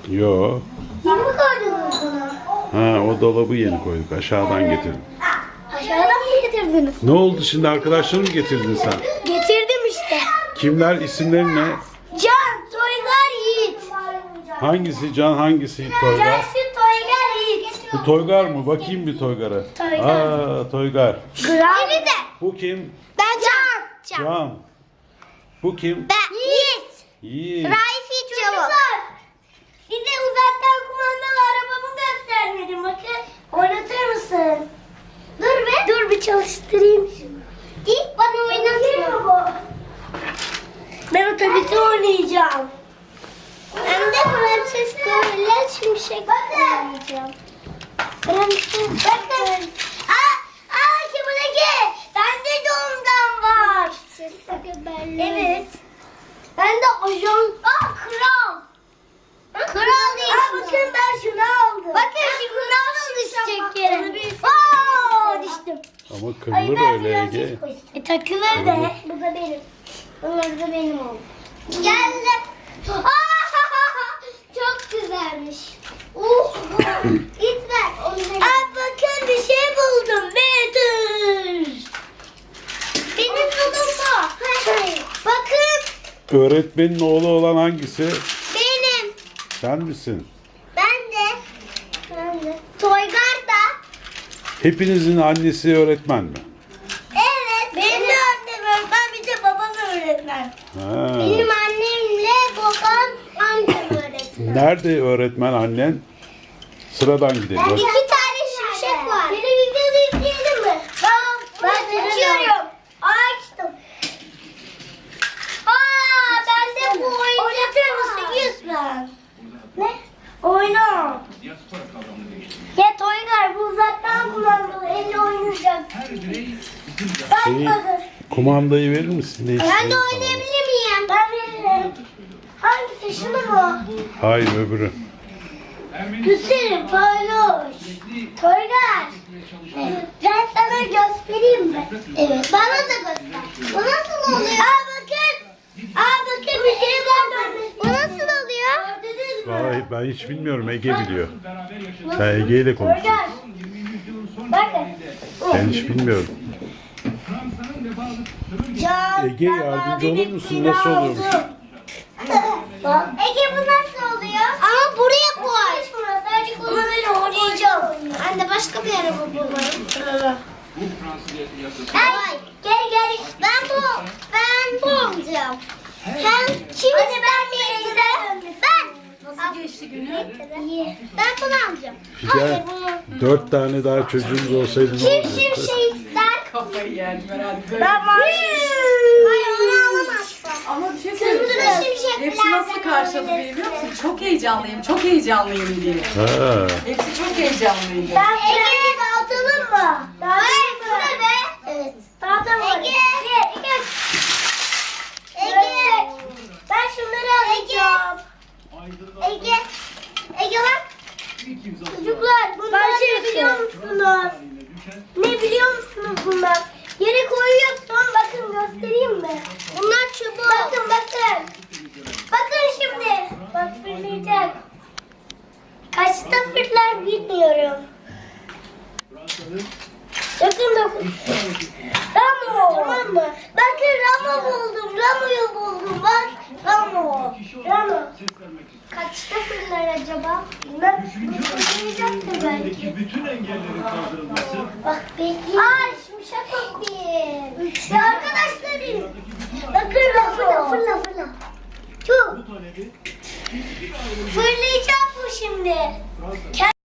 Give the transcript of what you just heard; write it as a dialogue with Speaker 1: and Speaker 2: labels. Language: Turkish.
Speaker 1: Yo.
Speaker 2: Yeni mi koydunuz bunu?
Speaker 1: Ha, o dolabı yeni koyduk. Aşağıdan getirdim.
Speaker 2: Aşağıdan mı getirdiniz?
Speaker 1: Ne oldu şimdi, arkadaşları mı getirdin sen?
Speaker 2: Getirdim işte.
Speaker 1: Kimler, isimleri ne?
Speaker 2: Can, Toygar, Yiğit.
Speaker 1: Hangisi Can, hangisi Toygar?
Speaker 2: Cansu, Toygar, Yiğit.
Speaker 1: Bu Toygar mı? Bakayım bir Toygar'a.
Speaker 2: Toygar.
Speaker 1: Aa, Toygar.
Speaker 2: Beni de.
Speaker 1: Bu kim?
Speaker 2: Ben Can.
Speaker 1: Can. Bu kim?
Speaker 2: Ben Yiğit.
Speaker 1: Yiğit.
Speaker 2: Raifi Çabuk. Size uzaktan kumandalı arabamı göstermedim. Bakın. Oynatır mısın? Dur be. Dur bir çalıştırayım şunu. İlk bana oynatıyor bu. Ben otobüsü oynayacağım. Hem de Prenses Gorilla Şimşek oynayacağım. Prenses bakın. Şimdiki. Bende de ondan var. Evet. Ben de ajan. Kral. Kral değil. Bakın ben şunu aldım. Bakın şu kral düşecek yere. Düştüm.
Speaker 1: Ama kırılır öyle Ege.
Speaker 2: Takılır da. Bu da benim. Bunlar da benim oldu. Geldi. Çok güzelmiş. Git ver. Bakın bir şey buldum. Bedir. Benim buldum bu. Bakın.
Speaker 1: Öğretmenin oğlu olan hangisi?
Speaker 2: Benim.
Speaker 1: Sen misin?
Speaker 2: Ben de. Toygar da.
Speaker 1: Hepinizin annesi öğretmen mi?
Speaker 2: Evet. Benim de annem öğretmen, bir de babam öğretmen.
Speaker 1: Ha.
Speaker 2: Benim annemle babam amcam öğretmen.
Speaker 1: Nerede öğretmen annen? Sıradan gidelim.
Speaker 2: İki tane şimşek var. Beni videoda yükleyelim mi? Ben açıyorum. Açtım. Ben de bu oyunu oynatır mısın Yusuf? Ne? Oyna. Ya Toygar bu uzaktan kumandalı elle oynayacak. Bakmadı.
Speaker 1: Kumandayı verir misin? Ne
Speaker 2: Ben de
Speaker 1: istiyorsun?
Speaker 2: oynayabilir miyim? Ben veririm. Hangisi, şunu mu?
Speaker 1: Hayır, öbürü.
Speaker 2: Güzelim paylaş. Toygar. Ben sana göstereyim mi? Evet. Bana da göster. Bu nasıl oluyor? Bakın. Bakın bir şey var. Bu nasıl oluyor? Gördünüz mü?
Speaker 1: Vallahi ben hiç bilmiyorum. Ege biliyor. Sen Ege ile konuşuyorsun.
Speaker 2: Toygar. Bakın.
Speaker 1: Ben hiç bilmiyorum.
Speaker 2: Can,
Speaker 1: Ege, yardımcı olur musun? Nasıl oluyormuş?
Speaker 2: Ege bu nasıl oluyor? Ama buraya koy. Sadece kullanmayla oynayacağım. Anne başka bir araba bulalım. Ay, gel. Ben bu olacağım. Sen kim istermeyinize? Ben.
Speaker 3: Nasıl geçti günü?
Speaker 2: Ben bunu alacağım.
Speaker 1: Figen, 4 tane daha çocuğumuz olsaydı ne
Speaker 2: Kim
Speaker 1: olacaktı?
Speaker 2: şimşeği ister?
Speaker 3: Kafayı yerdim herhalde.
Speaker 2: Ben mavi. Hayır onu alamazsın.
Speaker 3: Ama bir şey
Speaker 2: Kızdı
Speaker 3: söyleyeceğim.
Speaker 2: şimşeklerden
Speaker 3: Hepsi nasıl karşıladı beni biliyor musun? Çok heyecanlıyım, çok heyecanlıyım diye.
Speaker 1: Ha.
Speaker 3: Hepsi çok heyecanlıydı.
Speaker 2: Ben Ege'yi dağıtalım mı? Dağıtalım mı? Bu ne be? Evet. Dağıtalım. Ege. Ben şunları alacağım. Ege bak. Çocuklar bunlar ne biliyor musunuz? Ne biliyor musunuz bunlar? Yere koyuyorsun. Bakın göstereyim mi? Bunlar çubuk. Bakın. Bakın şimdi. Bak fırlayacak. Kaçta fırlar bilmiyorum. Bakın. Ramo. Tamam mı? Bakın Ramo buldum. Ramo'yu buldum. Bak. Ramo. Kaçta fırlar acaba? Bilmem. Fırlayacaktır belki.
Speaker 4: Bütün engellerin kaldırılması,
Speaker 2: Bak bekleyin. Şimşek bakayım. Ya arkadaşlarım. Bakın fırla. Tüh.
Speaker 4: bu talebi
Speaker 2: Fırlayacak bu şimdi.